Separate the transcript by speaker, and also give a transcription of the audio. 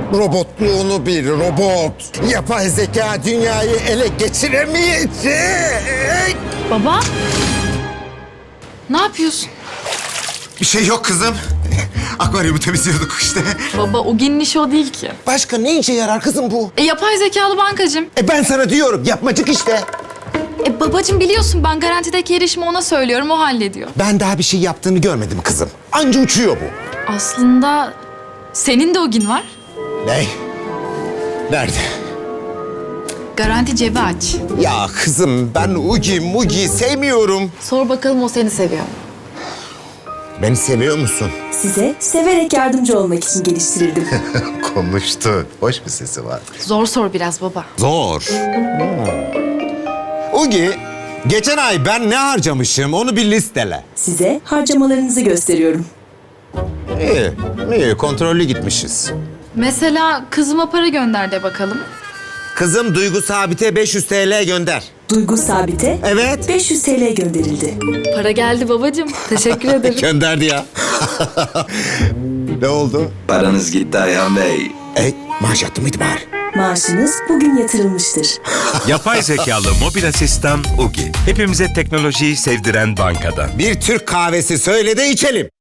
Speaker 1: Robotluğunu bil, robot. Yapay zeka dünyayı ele geçiremeyecek.
Speaker 2: Baba. Ne yapıyorsun?
Speaker 3: Bir şey yok kızım. Akvaryumu temizliyorduk işte.
Speaker 2: Baba o ginin işi o değil ki.
Speaker 1: Başka ne işe yarar kızım bu?
Speaker 2: Yapay zekalı bankacım.
Speaker 1: Ben sana diyorum, yapmacık işte.
Speaker 2: Babacım biliyorsun ben garantideki erişimi ona söylüyorum, o hallediyor.
Speaker 1: Ben daha bir şey yaptığını görmedim kızım. Anca uçuyor bu.
Speaker 2: Aslında senin de o gün var.
Speaker 1: Ne? Nerede?
Speaker 2: Garanti cebi aç.
Speaker 1: Ya kızım ben Ugi Mugi sevmiyorum.
Speaker 2: Sor bakalım o seni seviyor mu?
Speaker 1: Beni seviyor musun?
Speaker 4: Size severek yardımcı olmak için geliştirildim.
Speaker 3: Konuştu. Hoş bir sesi var.
Speaker 2: Zor sor biraz baba.
Speaker 1: Zor. Ugi, geçen ay ben ne harcamışım onu bir listele.
Speaker 4: Size harcamalarınızı gösteriyorum.
Speaker 1: İyi, iyi kontrollü gitmişiz.
Speaker 2: Mesela kızıma para gönder de bakalım.
Speaker 1: Kızım Duygu Sabit'e 500 TL gönder.
Speaker 4: Duygu Sabit'e
Speaker 1: Evet.
Speaker 4: 500 TL gönderildi.
Speaker 2: Para geldi babacığım. Teşekkür ederim.
Speaker 1: Gönderdi ya. Ne oldu?
Speaker 5: Paranız gitti Ayhan Bey.
Speaker 1: Maaş yattı mıydı bari?
Speaker 4: Maaşınız bugün yatırılmıştır.
Speaker 6: Yapay zekalı mobil asistan Ugi. Hepimize teknolojiyi sevdiren bankadan.
Speaker 1: Bir Türk kahvesi söyle de içelim.